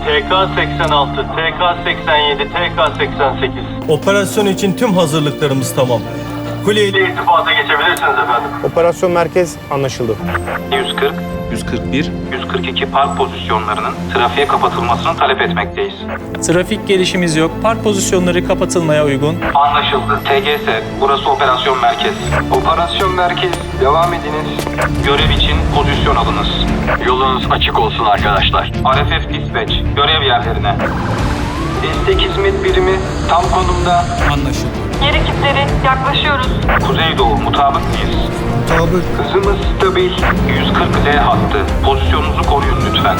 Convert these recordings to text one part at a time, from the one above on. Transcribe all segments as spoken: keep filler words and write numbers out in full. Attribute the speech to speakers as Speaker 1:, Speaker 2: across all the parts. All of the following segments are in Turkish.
Speaker 1: T K seksen altı, T K seksen yedi, T K seksen sekiz. Operasyon için tüm hazırlıklarımız tamam. Kuleyle irtibata geçebilirsiniz efendim.
Speaker 2: Operasyon merkez anlaşıldı.
Speaker 3: yüz kırk,
Speaker 4: yüz kırk bir.
Speaker 3: yüz kırk iki park pozisyonlarının trafiğe kapatılmasını talep etmekteyiz.
Speaker 4: Trafik gelişimiz yok. Park pozisyonları kapatılmaya uygun.
Speaker 3: Anlaşıldı. T G S, burası operasyon merkez. Operasyon merkez, devam ediniz. Görev için pozisyon alınız.
Speaker 1: Yolunuz açık olsun arkadaşlar.
Speaker 3: R F F Dispatch, görev yerlerine. Destek hizmet birimi tam konumda.
Speaker 4: Anlaşıldı.
Speaker 5: Yer ekipleri yaklaşıyoruz.
Speaker 3: Kuzeydoğu, mutabık mıyız?
Speaker 2: Tabii.
Speaker 3: Hızımız stabil. yüz kırk Z hattı. Pozisyonunuzu koruyun lütfen.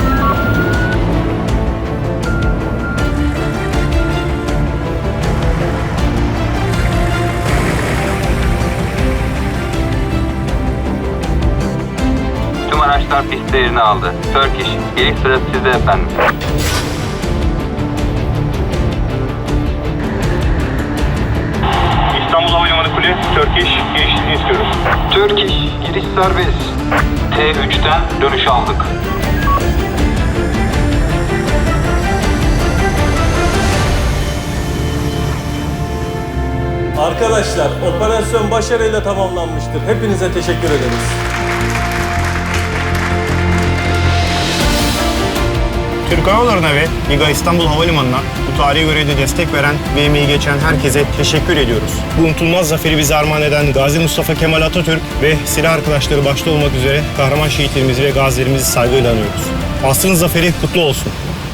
Speaker 3: Tüm araçlar piste yerini aldı. Turkish, giriş sırası sizde efendim.
Speaker 1: İstanbul Havalimanı Kule, Turkish girişini istiyoruz.
Speaker 3: Turkish, giriş serbest. T üçten dönüş aldık.
Speaker 1: Arkadaşlar, operasyon başarıyla tamamlanmıştır. Hepinize teşekkür ederiz.
Speaker 2: Türk Hava Yolları'na ve Liga İstanbul Havalimanı'na bu tarihi görevde destek veren ve emeği geçen herkese teşekkür ediyoruz. Bu unutulmaz zaferi bize armağan eden Gazi Mustafa Kemal Atatürk ve silah arkadaşları başta olmak üzere kahraman şehitlerimizi ve gazilerimizi saygıyla anıyoruz. Asrın zaferi kutlu olsun.